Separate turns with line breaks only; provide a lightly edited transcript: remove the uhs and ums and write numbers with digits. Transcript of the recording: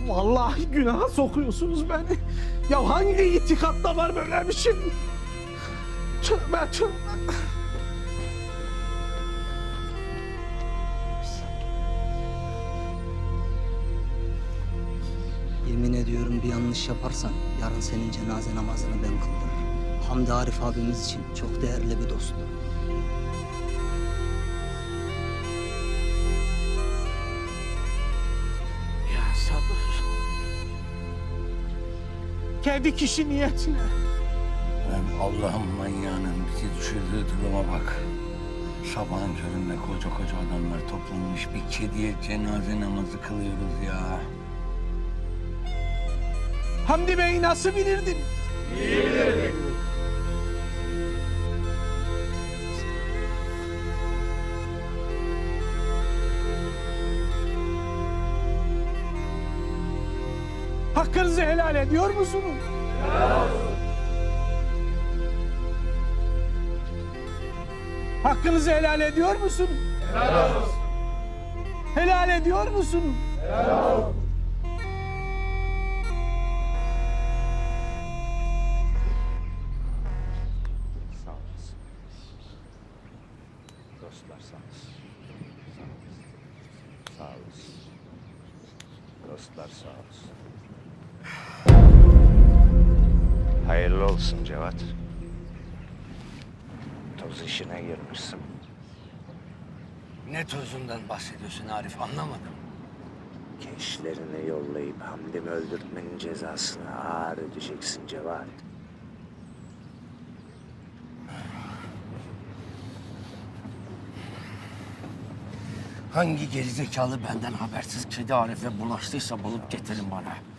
Vallahi günaha sokuyorsunuz beni. Ya hangi itikatta var böyle bir şey? Tövbe tövbe.
Yemin ediyorum bir yanlış yaparsan yarın senin cenaze namazını ben kıldırırım. Hamdi Arif abimiz için çok değerli bir dosttu.
Ya sabır. Kendi kişi niyetine.
Ben Allah'ın manyağının bizi düşürdüğü duruma bak. Sabahın köründe koca koca adamlar toplanmış bir kediye cenaze namazı kılıyoruz ya.
Hamdi Bey'i nasıl bilirdin? Hakkınızı helal ediyor musunuz? Hakkınızı helal ediyor musunuz? Helal ediyor musunuz?
Sağ olasın. Dostlar sağ olsun. Sağ olasın. Dostlar sağ olsun. Hayırlı olsun Cevat. Toz işine girmişsin.
Ne tozundan bahsediyorsun Arif, anlamadım.
Gençlerini yollayıp Hamdi'mi öldürtmenin cezasını ağır ödeyeceksin Cevat.
Hangi gerizekalı benden habersiz kedi Arif'e bulaştıysa bulup getirin bana.